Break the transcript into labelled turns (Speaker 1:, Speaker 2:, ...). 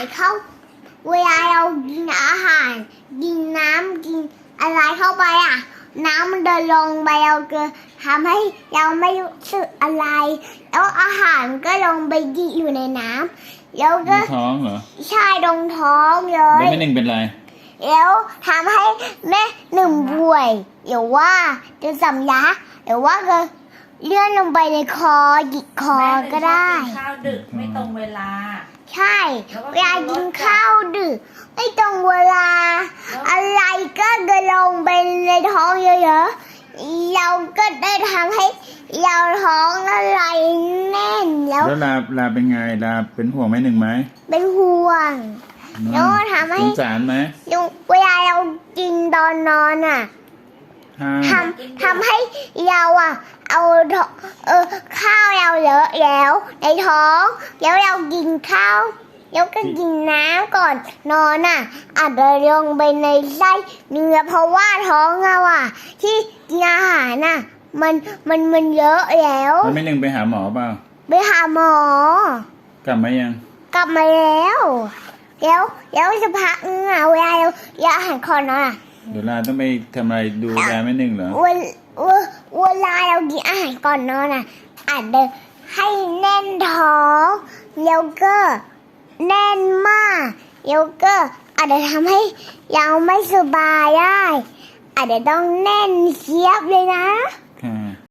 Speaker 1: เข้าเวลาเรากินอาหารกินน้ำกินอะไรเข้าไปน้ำมันเดินลงไปเราเกินทำให้เราไม่รู้สึกอะไรแล้วอาหารก็ลงไปอยู่ในน้ำแล้วก็
Speaker 2: ท้องเหรอ
Speaker 1: ใช่ตรงท้องเลย
Speaker 2: แล้วแม่หนึ่งเป็นไร
Speaker 1: แล้วทำให้แม่หนึ่งป่วยหรือว่าจะสำลักหรือว่าก็เลื่อนลงไปในคอหยิกคอก็ได้
Speaker 3: ข้าวดึกไม่ตรงเวลา
Speaker 1: ใช่เวลากินข้าวดึกไม่ตรงเวลาอะไรก็จะลงไปในท้องเยอะๆเราก็ได้ทำให้เราท้องอะไรแน่นแล้ว
Speaker 2: ลาเป็นไงลาเป็นห่วงแม่หนึ่งไหม
Speaker 1: เป็นห่วงแล้วทำให้
Speaker 2: สงสารไหม
Speaker 1: เวลาเรากินตอนนอนทำให้เราเอาข้าวเราเยอะแล้วในท้องแล้วเรากินข้าวแล้วก็กินน้ำก่อนนอนอาจจะลงไปในไส้เนื้อเพราะว่าท้องเราที่กินอาหารมันเยอะแล้ว
Speaker 2: แม่หนึ่งไปหาหมอเปล่า
Speaker 1: ไปหาหมอก
Speaker 2: ลับมายัง
Speaker 1: กลับมาแล้วจะพักเวลาเราอาหารก่อน
Speaker 2: เดี๋ยวลาต้องไปทำอะไรดูแลแม่หนึ่งเหรอ
Speaker 1: เวลาเรากินอาหารก่อนนอนอาจจะให้แน่นท้องแล้วก็แน่นมากแล้วก็อาจจะทำให้เราไม่สบายได้อาจจะต้องแน่นเชียบเลยนะ